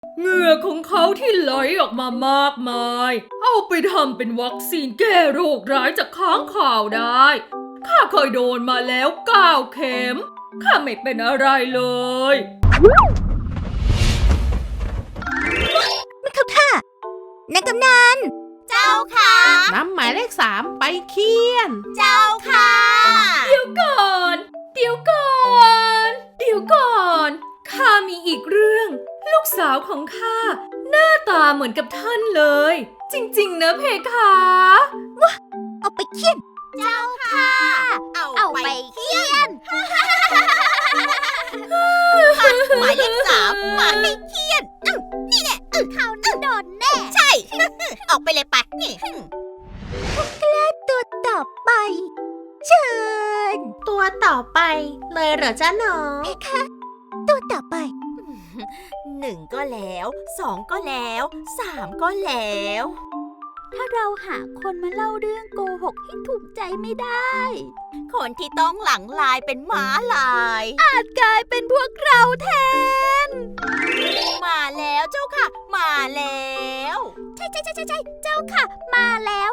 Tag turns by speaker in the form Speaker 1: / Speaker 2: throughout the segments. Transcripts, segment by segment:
Speaker 1: เหงื่อของเขาที่ไหลออกมามากมายเอาไปทำเป็นวัคซีนแก้โรคร้ายจากค้างคาวได้ข้าเคยโดนมาแล้ว9 เข็มข้าไม่เป็นอะไรเลย
Speaker 2: ไม่เข้าท่า นายกำนัน
Speaker 3: เจ้าค่ะ
Speaker 4: น้ำหมายเลข 3 ไปเคี่ยน
Speaker 3: เจ้าค่ะ
Speaker 1: เดี๋ยวก่อนข้ามีอีกเรื่อง ลูกสาวของข้าหน้าตาเหมือนกับท่านเลย จริงๆนะเพคะ
Speaker 2: เอาไปเคี่ยน
Speaker 3: เจ้าค่ะ เอาไปเคี่ยนหมายเลข 3มาให้เคี่ยนนี่แน่เขาโดนแน่ ใช่ ออกไปเลยไปนี่
Speaker 2: ตัวต่อไป เชิญ
Speaker 4: ตัวต่อไปเลยเหรอจ๊ะน้อง
Speaker 2: เพคะ ตัวต่อไป
Speaker 3: 1 ก็แล้ว 2 ก็แล้ว 3 ก็แล้ว
Speaker 2: ถ้าเราหาคนมาเล่าเรื่องโกหกให้ถูกใจไม่ได้
Speaker 3: คนที่ต้องหลังลายเป็นม้าลาย
Speaker 2: อาจกลายเป็นพวกเราแทน
Speaker 3: มาแล้วเจ้าค่ะ มาแล้ว
Speaker 2: ใช่เจ้าค่ะ มาแล้ว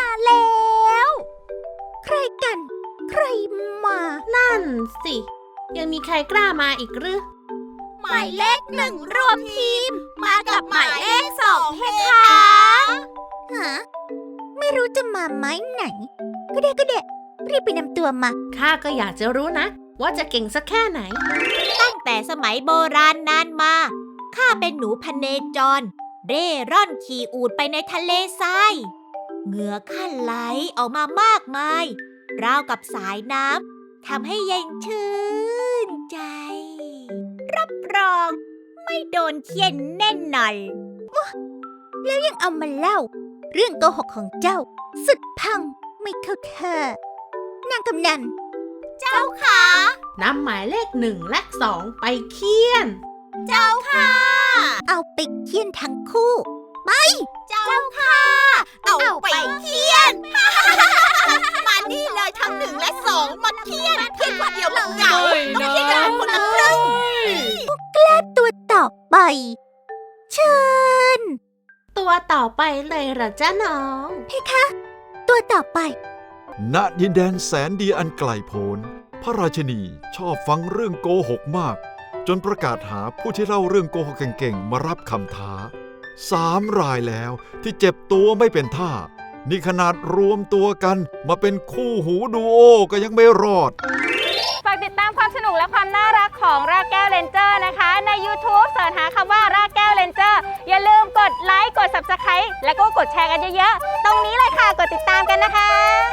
Speaker 2: ใครกัน ใครมา
Speaker 4: นั่นสิ ยังมีใครกล้ามาอีกหรือ
Speaker 3: หมายเลข 1 รวมทีม มากับหมายเลข 2เพคะ
Speaker 2: ฮะ ไม่รู้จะมาไม้ไหน ก็ได้รีบไปนำตัวมา
Speaker 4: ข้าก็อยากจะรู้นะ ว่าจะเก่งสักแค่ไหน
Speaker 3: ตั้งแต่สมัยโบราณนานมา ข้าเป็นหนูพเนจร เร่ร่อนขี่อูฐไปในทะเลทราย เหงื่อข้าไหลออกมามากมาย ราวกับสายน้ำทำให้เย็นชื่นใจ รับรองไม่โดนเคี่ยนแน่นหน่อย
Speaker 2: แล้วยังเอามาเล่า เรื่องโกหกของเจ้า สุดพังไม่เข้าท่านางกำนัน
Speaker 3: เจ้าค่ะ
Speaker 4: นำหมายเลข 1 และ 2 ไปเคี่ยน
Speaker 3: เจ้าค่ะ
Speaker 2: เอาไปเคี่ยนทั้งคู่
Speaker 3: เจ้าค่ะ เอาไปเคี่ยน มานี่เลยทั้ง1 และ 2 มาเคี่ยนคนเดียวมันเหงาต้องเคี่ยนกันคนละครึ่ง
Speaker 2: ตัวต่อไป เชิญ
Speaker 4: ตัวต่อไปเลยเหรอจ๊ะน้อง
Speaker 2: เพคะ ตัวต่อไป
Speaker 5: ณดินแดนแสนดีอันไกลโพ้นพระราชินีชอบฟังเรื่องโกหกมาก จนประกาศหาผู้ที่เล่าเรื่องโกหกเก่งๆมารับคำท้า3 รายแล้วที่เจ็บตัวไม่เป็นท่า นี่ขนาดรวมตัวกันมาเป็นคู่หูดูโอก็ยังไม่รอด
Speaker 6: ฝากติดตามความสนุกและความน่ารักของรากแก้วเรนเจอร์นะคะ ใน YouTube เสิร์ชหาคำว่ารากแก้วเรนเจอร์อย่าลืมกดไลค์กด Subscribe แล้วก็กดแชร์กันเยอะๆ ตรงนี้เลยค่ะ กดติดตามกันนะคะ